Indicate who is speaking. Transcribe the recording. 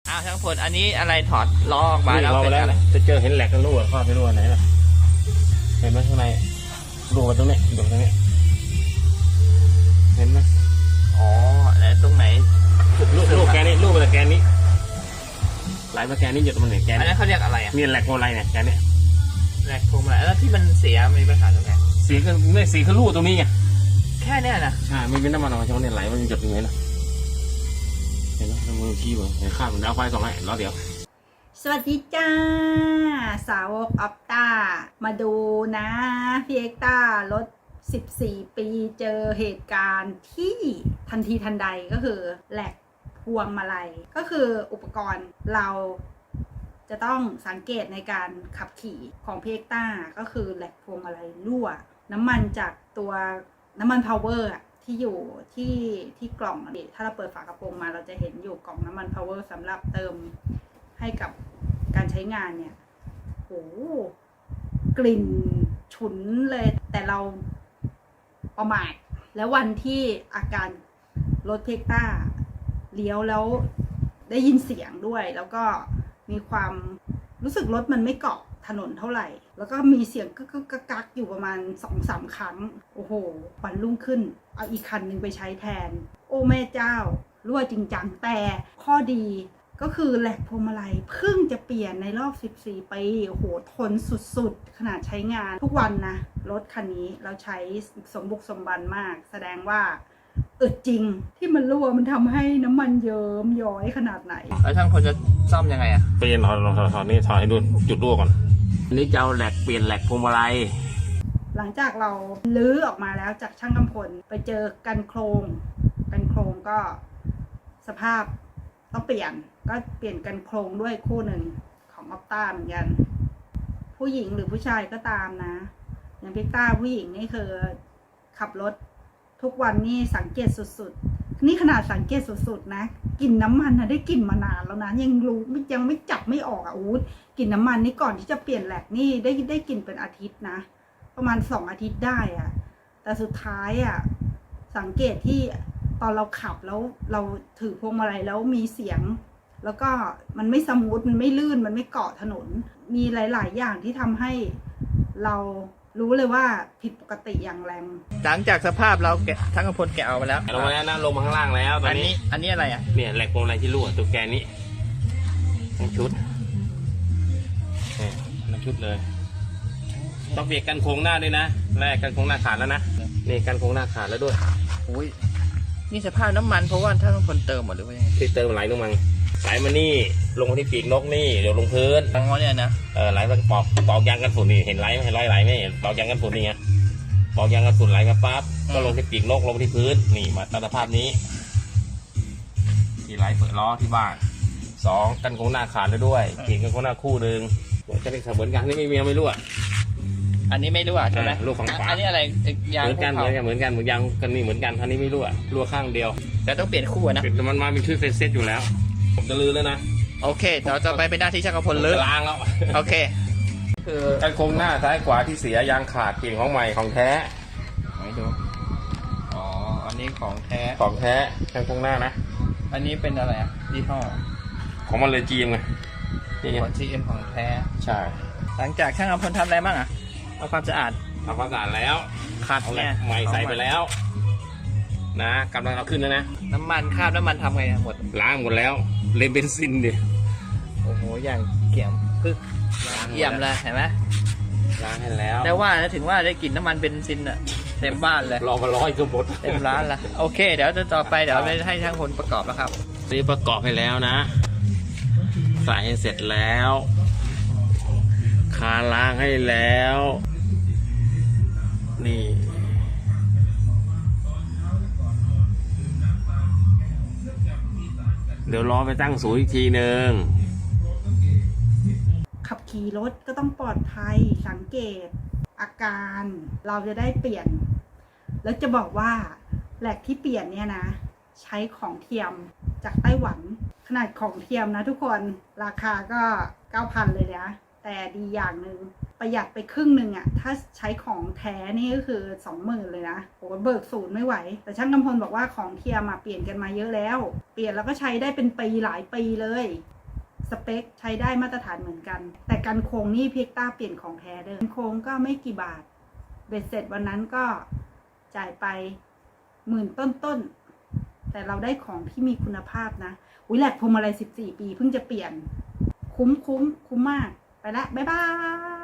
Speaker 1: อ้าวช่างพลอันนี้อะไรถอดล้อออกมาแล้ว
Speaker 2: เป็นอะไรจะเจอเห็นแหลกกันรั่วข้อไปรั่วไหนล่ะเห็นไหมข้างในรั่วตรงนี้ดูตรงนี้เห็นไหม
Speaker 1: อ๋อแล้วตรงไหน
Speaker 2: ลูกแกนนี้ลูกมาแกนนี้ไหลมาแกนนี้หยดมันเนี่ยแกน
Speaker 1: อันนั้นเขาเรียกอะไรอ่ะ
Speaker 2: นี่แหลกโมไลเนี่ยแกนนี้
Speaker 1: แหลกพวงมาลัยแล้วที่มันเสียมีปัญหาตรงไหน
Speaker 2: สีคือไม่สีคือรั่วตรงนี้ไง
Speaker 1: แค่เนี้ยนะ
Speaker 2: ใช่ไม่เป็นน้ำมันออกจากเนี่ยไหลมันหยดอย่างนี้นะเห็นไหมทำมือขี้บ่เห็นข้ามมันดาวไฟ2 ให้ล้อเดียว
Speaker 3: สวัสดีจ้า สาวกออปต้ามาดูนะพี่เอ็กต้ารถ14 ปีเจอเหตุการณ์ที่ทันทีทันใดก็คือแหลกพวงมาลัยก็คืออุปกรณ์เราจะต้องสังเกตในการขับขี่ของพี่เอ็กต้าก็คือแหลกพวงมาลัยรั่วน้ำมันจากตัวน้ำมันพาวเวอร์ที่อยู่ที่กล่องนี่ถ้าเราเปิดฝากระโปรงมาเราจะเห็นอยู่กล่องน้ำมันพาวเวอร์สำหรับเติมให้กับการใช้งานเนี่ยโหกลิ่นฉุนเลยแต่เราประมาทแล้ววันที่อาการรถเพกต้าเลี้ยวแล้วได้ยินเสียงด้วยแล้วก็มีความรู้สึกรถมันไม่เกาะถนนเท่าไหร่แล้วก็มีเสียงกึกกักอยู่ประมาณ 2-3 ครั้งโอ้โหวันรุ่งขึ้นเอาอีกคันหนึ่งไปใช้แทนโอ้แม่เจ้ารั่วจริงจังแต่ข้อดีก็คือแหลกพวงมาลัยเพิ่งจะเปลี่ยนในรอบ14 ปีโอ้โหทนสุดๆขนาดใช้งานทุกวันนะรถคันนี้เราใช้สมบุกสมบันมากแสดงว่าจริงที่มันรั่วมันทำให้น้ำมันเยิ้มย้อยขนาดไหน
Speaker 1: แล้วช่างพลจะซ่อมยังไงอ่ะ
Speaker 2: ไปถอดนี่ถอดให้ดูจุดรั่วก่อนอันนี้จะเอาแหลกเปลี่ยนแหลกพวงมาลัย
Speaker 3: หลังจากเราลื้อออกมาแล้วจากช่างกำพลไปเจอกันโครงก็สภาพต้องเปลี่ยนกันโครงด้วยคู่หนึ่งของออปต้าเหมือนกันผู้หญิงหรือผู้ชายก็ตามนะอย่างพิกต้าผู้หญิงนี่คือขับรถทุกวันนี่สังเกตสุดๆนี่ขนาดสังเกตสุดๆนะกลิ่นน้ำมันนะได้กลิ่นมานานแล้วนะยังไม่จับไม่ออกอ่ะกลิ่นน้ำมันนี่ก่อนที่จะเปลี่ยนแหลกนี่ได้กลิ่นเป็นอาทิตย์นะประมาณ2 อาทิตย์ได้อ่ะแต่สุดท้ายอ่ะสังเกตที่ตอนเราขับแล้วเราถือพวงมาลัยแล้วมีเสียงแล้วก็มันไม่สมูทมันไม่ลื่นมันไม่เกาะถนนมีหลายๆอย่างที่ทำให้เรารู้เลยว่าผิดปกติอย่างแรง
Speaker 1: หลังจากสภาพเราแกะช่างพลแกะออกมาแล้ว
Speaker 2: ลงมาแล้วนะลงมาข้างล่างแล้วตอนนี้
Speaker 1: อันนี้อะไรอ่ะ
Speaker 2: เนี่ยแหลกพวงมาลัยที่รั่วตัวแกนนี้ทั้งชุดทั้งชุดเลยต้องเปลี่ยนกันโครงหน้าด้วยนะแรกกันโครงหน้าขาดแล้วนะนี่กันโครงหน้าขาดแล้วด้วย
Speaker 1: อุ้ยนี่สภาพน้ำมันเพราะว่าช่างพลเติมหมดหรือว่ายังไง
Speaker 2: ที่เติมไหลลงมาไหลมานี่ลงมาที่ปีกนกนี่เดี๋ยวลงพื้น
Speaker 1: อ๋อเนี่ยนะ
Speaker 2: ไหลมาปอกยางกันฝุ่นนี่เห็นไหลไหมไหลไหมปอกยางกันฝุ่นนี่ไงปอกยางกันฝุ่นไหลมาปั๊บก็ลงที่ปีกนกลงที่พื้นนี่มาตามสภาพนี้ที่ไหลเปิดล้อที่บ้าน2กันโครงหน้าขาดแล้วด้วยปีกกันโครงหน้าคู่หนึ่งจะเป็นเหมือนกันนี่ไม่รู้อ่ะ
Speaker 1: อันนี้ไม่รู้อ่ะใช่ไหม
Speaker 2: ลูกฝั่งขวา
Speaker 1: อันนี้อะไรยาง
Speaker 2: เหมือนกันยางกันเหมือนกันนี่เหมือนกันท่านี้ไม่รู้อ่ะรั่วข้างเดียว
Speaker 1: แต่ต้องเปลี่ยนคู่นะ
Speaker 2: มันมาเป็นชื่อเฟซเซตอยู่แล้วผมจะลือแล้วนะ
Speaker 1: โอเคเราจะไปเป็นหน้าที่ช่างพลเลย
Speaker 2: ล้างแล้ว
Speaker 1: โอเคคือ
Speaker 2: กันโครงหน้าซ้ายขวาที่เสียยางขาดเปลี่ยนของใหม่ของแท้
Speaker 1: ไม่ดูอ๋ออันนี้ของแท้
Speaker 2: ของแท้กันโครงหน้านะ
Speaker 1: อันนี้เป็นอะไรอ่ะยี่ห้อ
Speaker 2: ของมันเลยจีมไงนี่ไง
Speaker 1: ของ GM ของแท้
Speaker 2: ใช่
Speaker 1: หลังจากช่างพลทำอะไรบ้างอ่ะเอาความสะอาด
Speaker 2: ทำความสะอาดแล้ว
Speaker 1: ขัด
Speaker 2: เอาแหล
Speaker 1: เนี่
Speaker 2: ก
Speaker 1: ย
Speaker 2: ใหม่ใส่ไปแล้วนะกำลังเอาขึ้นแล้วนะ
Speaker 1: น้ำมันคราบน้ำมันทำไงหมด
Speaker 2: ล้างหมดแล้วเลยเบนซินดิ
Speaker 1: โอ้โหอย่างเกี่ยมพึกเยี่ยมเลยเห็นไหม
Speaker 2: ล้างให้แล้ว
Speaker 1: แต่ว่าถึงว่าได้กลิ่นน้ำมันเบนซินอะเต็มบ้านเลย
Speaker 2: รอมา100ก็หมด
Speaker 1: เต็มร้านละโอเคเดี๋ยวต่อไปเดี๋ยวไปให้ช่างพลประกอบแล้วครับ
Speaker 2: ซื้อประกอบให้แล้วนะใส่ให้เสร็จแล้วคาล้างให้แล้วนี่เดี๋ยวรอไปตั้งศูนย์อีกทีหนึ่ง
Speaker 3: ขับขี่รถก็ต้องปลอดภัยสังเกตอาการเราจะได้เปลี่ยนแล้วจะบอกว่าแหลกที่เปลี่ยนเนี่ยนะใช้ของเทียมจากไต้หวันขนาดของเทียมนะทุกคนราคาก็ 9,000 เลยนะแต่ดีอย่างหนึ่งประหยัดไปครึ่งหนึ่งอะถ้าใช้ของแท้นี่ก็คือ 20,000 เลยนะโอ้เบิกศูนย์ไม่ไหวแต่ช่างกำพลบอกว่าของเทียมเปลี่ยนกันมาเยอะแล้วเปลี่ยนแล้วก็ใช้ได้เป็นปีหลายปีเลยสเปคใช้ได้มาตรฐานเหมือนกัน แต่กันโค้งนี่พี่เอกต้าเปลี่ยนของแท้เดิมโค้งก็ไม่กี่บาทเบ็ดเสร็จวันนั้นก็จ่ายไป10,000ต้นๆแต่เราได้ของที่มีคุณภาพนะอุ้ยแหลกพวงมาลัย14 ปีเพิ่งจะเปลี่ยนคุ้มมากไปละบ๊ายบาย